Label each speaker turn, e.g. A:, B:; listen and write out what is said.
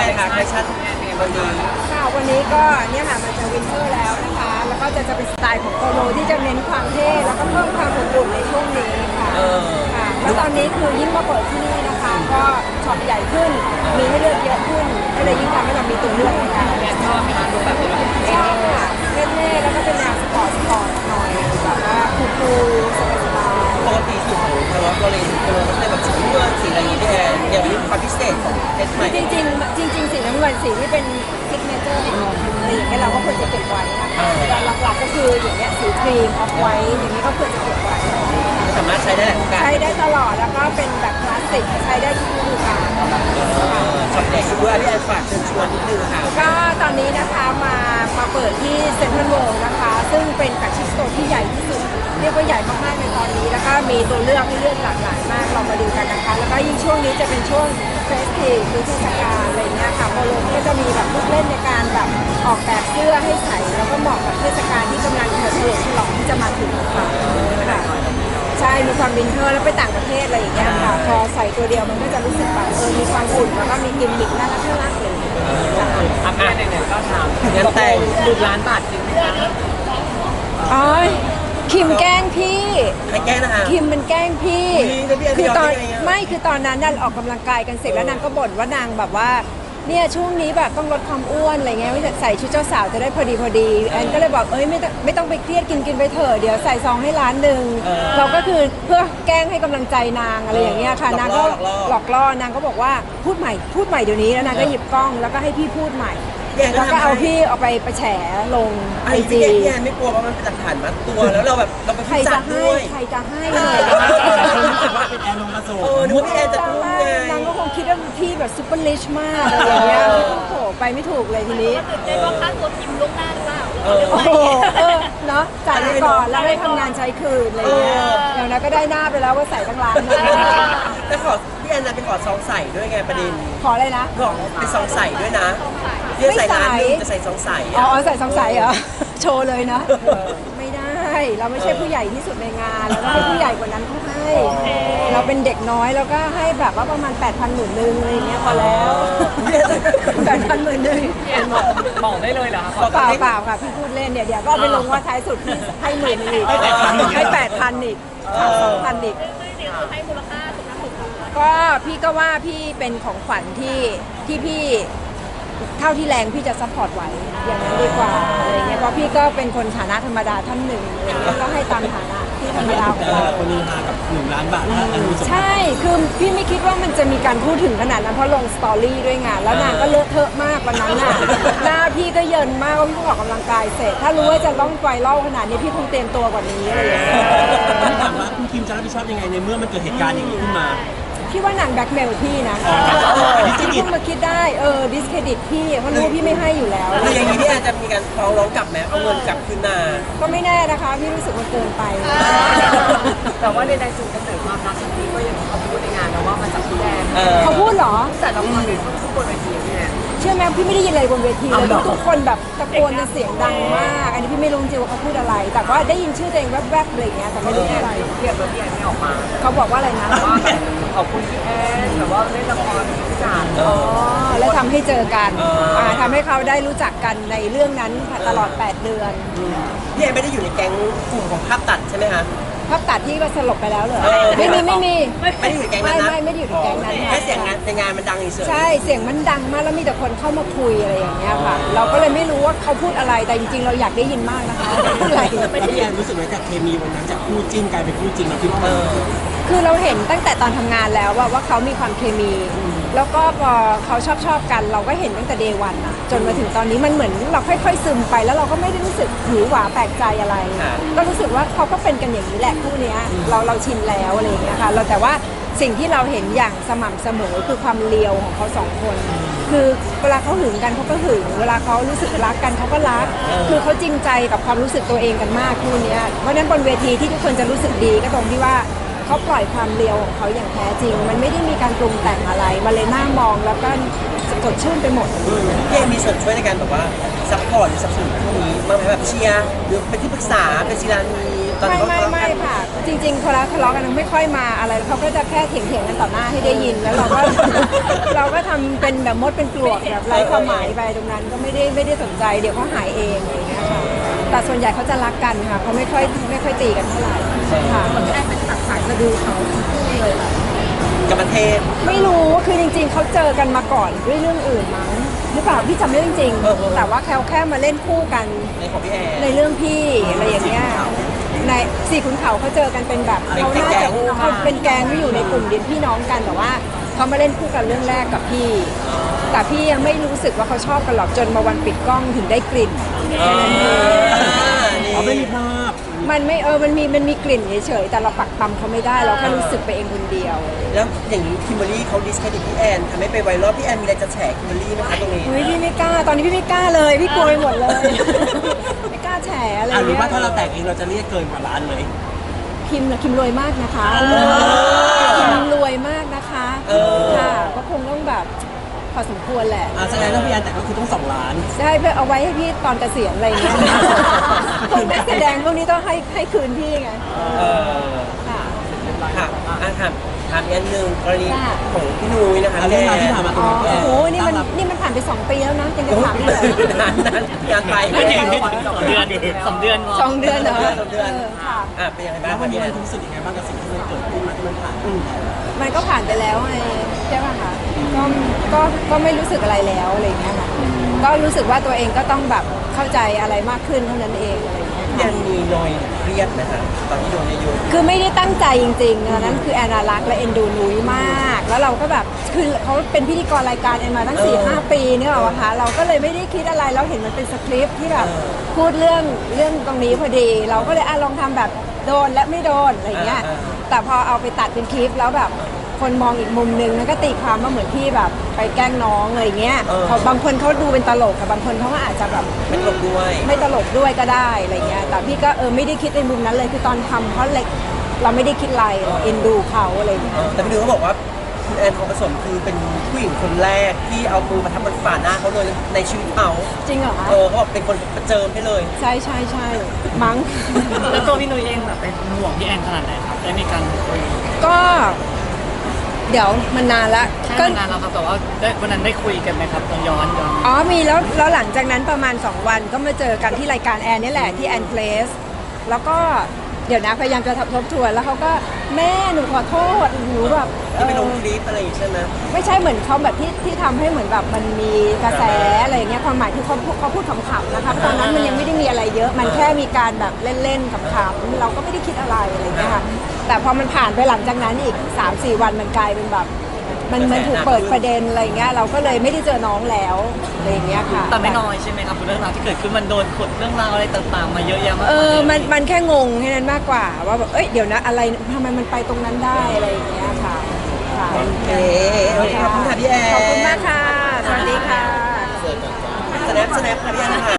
A: คะแฟชั่นวันนี้
B: ค่ะวันนี้ก็เนี่ยค่ะมันจะวินเทอร์แล้วนะคะแล้วก็จะเป็นสไตล์ของโปโลที่จะเน้นความเท่แล้วก็เพิ่มความอบอุ่นในช่วงนี้ค่ะค่ะแล้วตอนนี้คือยิ่งมาเปิดที่นี่นะคะก็ช็อปใหญ่ขึ้นมีให้เลือกเยอะขึ้นก็เลยยิ่งทำให้เรามีตัวเลือกในการชอบไหมคะดูแบบชอบค่ะเท่ๆแล้วก็เป็นแนวสปอร์ตหน่อยแบบว่าคูลๆสบาย
A: ปกติสูตรของทางวัดโรเลนก็จะแบบสีน้ำเงินสีอะไรอย่างเงี้ยพี่แอนอย่างนี้ความพิเศษของเพชรใหม่
B: จริงสีน้ำเงินสีที่เป็นซิกเนเจอร์ของเราอะไรอย่างเงี้ยเราก็ควรจะเก็บไว้นะคะแต่หลักๆก็คืออย่างเงี้ยสีครีมออฟไวท์อย่างนี้ก็ควรจะเก็บไว้
A: สามารถใช้ได้หลายโอกาส
B: ใช้ได้ตลอดแล้วก็เป็นแบบคลาสสิกใช้ได้ทุกฤดูกาล
A: ช็อปใหญ่ด้วยพี่แอนฝากเชิญชวนนิดนึงค่ะ
B: ก็ตอนนี้นะคะมาเปิดที่เซ็นทรัลเวิลด์นะคะซึ่งเป็นแฟลกชิพสโตร์ที่ใหญ่ที่สุดเรียกว่าใหญ่มากๆในตอนนี้แล้วก็มีตัวเลือกให้เลือกหลากหลายมากเรามาดูกันนะคะแล้วก็ยิ่งช่วงนี้จะเป็นช่วงเฟสทีฟหรือเทศกาลอะไรเงี้ยค่ะโปโลก็จะมีแบบลูกเล่นในการแบบออกแบบเสื้อให้ใส่แล้วก็เหมาะกับเทศกาลที่กำลังเฉลิมฉลองที่จะมาถึงค่ะใช่มีความวินเทอร์แล้วไปต่างประเทศอะไรอย่างเงี้ยค่ะพอใส่ตัวเดียวมันก็จะรู้สึกแบบมีความอุ่นแล้วก็มีกิมมิคน่ารักเลย
C: อัพงานไหนๆก็ถาม
A: งานแต่ง
C: 1,000,000 บาทจริงไหมคะ
B: อ๋อคิมแกล้งพี่
A: ใครแกล้งนะคะ
B: คิมมันแกล้งพี่
A: คือ
B: ตอนไม่คือตอนนั้นนั่นออกกำลังกายกันเสร็จแล้วนางก็บ่นว่านางแบบว่าเนี่ยช่วงนี้แบบต้องลดความอ้วนอะไรเงี้ยใส่ชุดเจ้าสาวจะได้พอดีแอนก็เลยบอกไม่ต้องไปเครียดกินไปเถอะเดี๋ยวใส่ซองให้ร้านหนึ่งเราก็คือเพื่อแกล้งให้กำลังใจนางอะไรอย่างเงี้ยค่ะนางก็หลอกล่อนางก็บอกว่าพูดใหม่เดี๋ยวนี้แล้วนางก็หยิบกล้องแล้วก็ให้พี่พูดใหม่แล้วก็เอาพี่เอาไปแฉลง
A: ไอจีพี่แอนไม่กลัวว่ามันเป็นหลักฐานมัดตัวแล้วเราแบบเราไปพิจารณาด้วย
B: ใครจะให้เลย
C: รู้สึกว่าเป็นแอนลงมาสูง
A: นึกว่าพี่แอนจะพูดไง
B: นางก็คงคิดว่าพี่แบบซุปเปอร์ลิชมากอะไรอย่างเงี้ยโอ้โหไปไม่ถูกเลยทีนี้
D: เจ๊ว่าค่าตัวพิมพ์ล่วงหน้าหรือเปล่า
B: โอ้โหเนาะจ่ายไปก่อนแล้วได้ทำงานใช้คืนอะไรเงี้ยอย่างนั้นก็ได้หน้าไปแล้วว่าใส่ตั้งร้าน
A: แต่ขอพี่แอนจะไปขอซองใส่ด้วยไงประเด็น
B: ขออะไรนะ
A: ขอเป็นซองใส่ด้วยนะพี่ใส่ร้านนึงจะใส่ซองใส่
B: อ๋อใส่ซองใส่เหรอโชว์เลยนะไม่ได้เราไม่ใช่ผู้ใหญ่ที่สุดในงานเราต้องให้ผู้ใหญ่กว่านั้นเขาให้เราเป็นเด็กน้อยแล้วก็ให้แบบว่าประมาณ 8,000 10,000นึงอะไรเงี้ยพอแล้ว8,000 10,000นึง
C: บอกได้เลยเหรอคะ
B: เปล่าค่ะพี่พูดเล่นเดี๋ยวก็ไปลงว่าท้ายสุดพี่ให้10,000อีกให้8,000อีก2,000อีก
D: ให้มูลค่าสุดสุด
B: ก็พี่ก็ว่าพี่เป็นของขวัญที่พี่เท่าที่แรงพี่จะซัพพอร์ตไหวอย่างนั้นดีกว่าอะไรเงี้ยเพราะพี่ก็เป็นคนฐานะธรรมดาท่านหนึ่งก็ให้ตามฐานะที่ธรรมดาของเรา
C: คนนี้มากับ1,000,000 บาท
B: ใช่คือพี่ไม่คิดว่ามันจะมีการพูดถึงขนาดนั้นเพราะลงสตอรี่ด้วยไงแล้วนางก็เลอะเทอะมากวันนั้นน่ะหน้าพี่ก็เยินมากว่าพี่ออกกำลังกายเสร็จถ้ารู้ว่าจะต้องไฟเล่าขนาดนี้พี่คงเตรียมตัวกว่านี้อะไรอย่างเงี้ย
C: ถามว่าคุณคิมจะรับผิดชอบยังไงในเมื่อมันเกิดเหตุการณ์อย่างนี้ขึ้นมา
B: พี่ว่านางแบ็คเมลพี่นะพี่เพิ่งมาคิดได้ดิสเครดิตพี่เพราะรู้ว่าพี่ไม่ให้อยู่แล้ว
A: คืออย่างนี้พี่อาจจะมีการฟ้องร้องกลับไหมเอาเงินกลับคืนมา
B: ก็ไม่แน่นะคะพี่รู้สึกมันเกินไป
C: แต่ว่าในจุดกำเนิดความรักครั้งนี้ก็ยังเขาพูดในงานนะว่ามาจากพี่แดน
B: เขาพูดเหรอ
C: แต่ละคนเขาพูดบนเวทีพี่แดน
B: เชื่อไหมพี่ไม่ได้ยินอะไรบนเวทีเลยทุกคนแบบตะโกนกันเสียงดังมากอันนี้พี่ไม่รู้จริงว่าเขาพูดอะไรแต่ว่าได้ยินชื่อตัวเองแวบๆอะไรอย่างเงี้ยแต่ไม่รู้อะไร
C: เกียรติพี่แอนไม่ออกมา
B: เขาบอกว่าอะไรนะ
C: ว่าขอบคุณพี่แอนแบบว่าเล่นละครทุกอย่าง
B: แล้วทำให้เจอกันทำให้เขาได้รู้จักกันในเรื่องนั้นตลอด8 เดือน
A: พี่แอนไม่ได้อยู่ในแก๊งกลุ่มของภาพตัดใช่ไหมคะ
B: ภาพตัดที่ว่าสลบไปแล้วเหรอไม่มี
A: ไม่ได้อยู่ในแก๊งนั้นนะ
B: ไม่ได้อยู่ในแก๊งนั้น
A: แค่เสียงในงานมันดังเฉย
B: ใช่เสียงมันดังมากแล้วมีแต่คนเข้ามาคุยอะไรอย่างเงี้ยค่ะเราก็เลยไม่รู้ว่าเขาพูดอะไรแต่จริงๆเราอยากได้ยินมากนะคะพูดอะไร
C: พี่แอนรู้สึกว่าจากเคมีวันนั้นจากคู่จิ้นกลายเป็นคู่จริงเราคิดว่า
B: คือเราเห็นตั้งแต่ตอนทำงานแล้วว่าเขามีความเคมีแล้วก็พอเขาชอบกันเราก็เห็นตั้งแต่เดย์วันอะจนมาถึงตอนนี้มันเหมือนเราค่อยๆซึมไปแล้วเราก็ไม่ได้รู้สึกหือหวาแปลกใจอะไรก็รู้สึกว่าเขาก็เป็นกันอย่างนี้แหละคู่นี้เราชินแล้วอะไรอย่างเงี้ยค่ะเราแต่ว่าสิ่งที่เราเห็นอย่างสม่ำเสมอคือความเลียวของเขา2 คนคือเวลาเขาหึงกันเขาก็หึงเวลาเขารู้สึกรักกันเขาก็รักคือเขาจริงใจกับความรู้สึกตัวเองกันมากคู่นี้เพราะนั้นบนเวทีที่ทุกคนจะรู้สึกดีก็ตรงที่ว่าเขาปล่อยความเลียวของเขาอย่างแท้จริงมันไม่ได้มีการปรุงแต่งอะไรมันเลยน่ามองแล้วก็สดชื่นไปหมด
A: พี่เอมีส่วนช่วยในการแบบว่าซัพพอร์ตหรือสนับสนุนพวกนี้บ้างไหมแบบเชียร์หรือเป็นที่ปรึกษาเป็นศิลานีตอนนี้เขาทะเลาะ
B: ไม่
A: กัน
B: ค่ะ จริงๆพอเราทะเลาะกันไม่ค่อยมาอะไรเขาก็จะแค่เถียงกันต่อหน้าให้ได้ยินแล้วเราก็ เราก็ทำเป็นแบบมดเป็นปลวกแบบไร้ความหมายไปตรงนั้นก็ไม่ได้สนใจเดี๋ยวเขาหายเองอะไรอย่างเงี้ยค่ะแต่ส่วนใหญ่เขาจะรักกันค่ะเขาไม่ค่อยตีกันเท่าไหร่ค่ะ
D: แอนเป็นตัดสายสะดือเขาทั้งคู่เลย
A: กับประเทศ
B: ไม่รู้คือจริงๆเขาเจอกันมาก่อนด้วยเรื่องอื่นมั้งหรือเปล่าพี่จำไม่ได้จริง
A: เออ
B: ๆแต่ว่าแค่มาเล่นคู่กัน
A: ในของพี่แอน
B: ในเรื่องพี่อะไรอย่างเงี้ยในสี่ขุนเขาเขาเจอกันเป็นแบบ
A: เป็น
B: เขาน่า
A: แก๊
B: จะ
A: ง
B: เขาเป็นแก๊งที่อยู่ในกลุ่มเดียวพี่น้องกันแต่ว่าเขามาเล่นคู่กันเรื่องแรกกับพี่ แต่พี่ยังไม่รู้สึกว่าเขาชอบกันหรอกจนมาวันปิดกล้องถึงได้กลิ่น
A: นี่
E: เขาไม่มีภาพ
B: มันไม่มันมีกลิ่นเฉยๆแต่เราปักปั๊มเขาไม่ได้เราแค่รู้สึกไปเองคนเดียว
A: แล้วอย่างนี้คิมเบอรรี่เขาดิสเครดิตพี่แอนทำให้ไปไวรัลพี่แอนมีอะไรจะแฉคิมเบอรรี่ไหมคะตรงนี้
B: เฮ้ยพี่ไม่กล้าตอนนี้พี่ไม่กล้าเลยพี่กลัวไปหมดเลย ไม่กล้าแฉอะไร
E: หรือ
B: เงี้
E: ว่าย ถ้าเราแต่งเองเราจะเรียกเกินกว่าล้านไหม
B: คิมรวยมากนะคะคิมรวยมากนะคะค่ะก็คงต้องแบบพอสมควรแหละ
E: แสดงว่าพี่แอนแต่งก็คือต้อง2 ล้าน
B: ใช่เพื่อเอาไว้ให้พี่ตอนเกษียณอะไรอย่างเงี้ยพวกนักแสดงพวกนี้ต้องให้คืนพี่ไง
A: เออ
B: ค่ะ
A: ค่ะถามอีกอันหนึ่งกรณี
B: ค่ะ
A: ของพี่นุ้ยนะคะ
E: เรื่องราวที่ผ่านมาตร
B: อ๋
E: ง
B: อ
E: นี้
B: โอ้โหนี่มันผ่านไป2 ปีแล้วนะยังจะถามอีกเหรอ
A: นานงานไป
C: ไม่ถึง2 เดือนพอ
B: 2 เดือนเหรอ
A: สองเดือน
B: ค่ะ
A: เป็นยังไงบ้า
E: แล้
A: ง
E: ววันนี้
A: พี่แอ
E: มัน
A: น
E: รู้สึกยังไงบ้างกับสิ่งที่มันเกิดขึ้นมาที่มันผ่าน
B: มันก็ผ่านไปแล้วไงใช่ป่ะคะก็ไม่รู้สึกอะไรแล้วอะไรอย่างเงี้ยค่ะก็รู้สึกว่าตัวเองก็ต้องแบบเข้าใจอะไรมากขึ้นเท่านั้นเองอะไรอย่างเงี้ย
A: พี่แอนมีนอยเครียดไหมคะตอนที่โดนเยอะ
B: คือไม่ได้ตั้งใจจริงๆตอนนั้นคือแอนนารักและเอ็นดูนุ้ยมาก แล้วเราก็แบบคือเขาเป็นพิธีกรรายการแอนมาตั้ง 4-5 ปีเนี่ยหรอคะเราก็เลยไม่ได้คิดอะไรเราเห็นมันเป็นสคริปต์ที่แบบพูดเรื่องตรงนี้พอดี เราก็เลยลองทำแบบโดนและไม่โดนอะไรอย่างเงี้ยแต่พอเอาไปตัดเป็นคลิปแล้วแบบคนมองอีกมุมนึงมันก็ตีความว่าเหมือนพี่แบบไปแกล้งน้องอะไรอย่างเงี้ยเขาบางคนเขาดูเป็นตลกกับบางคนเขาก็อาจจะแบบ
A: ๆไม่ตลกด้วย
B: ไม่ตลกด้วยก็ได้อะไรเงี้ย แต่พี่ก็ไม่ได้คิดในมุมนั้นเลย คือตอนทำเพราะเล็กเราไม่ได้คิดอะไรเราเอ็นดูเขาอะไรเงี้ย
A: แต่พี่นุ้ยเขาบอกว่าคุณแอนทองผสมคือเป็นผู้หญิงคนแรกที่เอามือมาทำบนฝ่าหน้าเขาเลยในชีวิตเขา
B: จริงเหรอคะ
A: เขาบอกเป็นคนประเจิมให้เลย
B: ใช่ใช่ใช่มั้ง
C: แล้วตัวพี่นุ้ยเองแบบเป็นห่วงพี่แอนขนาดไหนครับได้มีการคุย
B: ก็เดี๋ยวมันนานละ
C: ก็นานแล้วครับแต่ว่าวันนั้นได้คุยกันไหมครับย้อน
B: อ๋อมีแล้วหลังจากนั้นประมาณ 2 วันก็มาเจอกันที่รายการแอนนี่แหละที่แอนเพลสแล้วก็เดี๋ยวนะพยายามจะทบทวนแล้วเขาก็แม่หนูขอโทษหนูแบบ
A: ที่ไปลงคลิปอะไรอย่างงี้ใช่ไหม
B: ไม่ใช่เหมือนเขาแบบที่ทำให้เหมือนแบบมันมีกระแสอะไรอย่างเงี้ยความหมายคือเขาพูดขำๆนะคะเพราะตอนนั้นมันยังไม่ได้มีอะไรเยอะ มันแค่มีการแบบเล่นๆขำๆเราก็ไม่ได้คิดอะไรอะไรอย่างเงี้ยค่ะแต่พอมันผ่านไปหลังจากนั้นอีก 3-4 วันมันกลายเป็นแบบมันถูกเปิดประเด็นอะไรอย่างเงี้ยเราก็เลยไม่ได้เจอน้องแล้วอะไรอย่างเงี้ยค่ะ
C: แต่ไม่น้อยใช่ไหมครับเรื่องราวที่เกิดขึ้นมันโดนขุดเรื่องราวอะไรต่างๆมาเยอะแยะมาก
B: มันแค่งงแค่นั้นมากกว่าว่าแบบเดี๋ยวนะอะไรทำไมมันไปตรงนั้นได้อะไรอย่างเงี้ยค่ะค่ะ
A: โอเคขอบคุณค่ะพี่แอน
B: ขอบคุณมากค่ะ สวัสดีค่ะ
A: สแนปค่ะพี่แอนค่ะ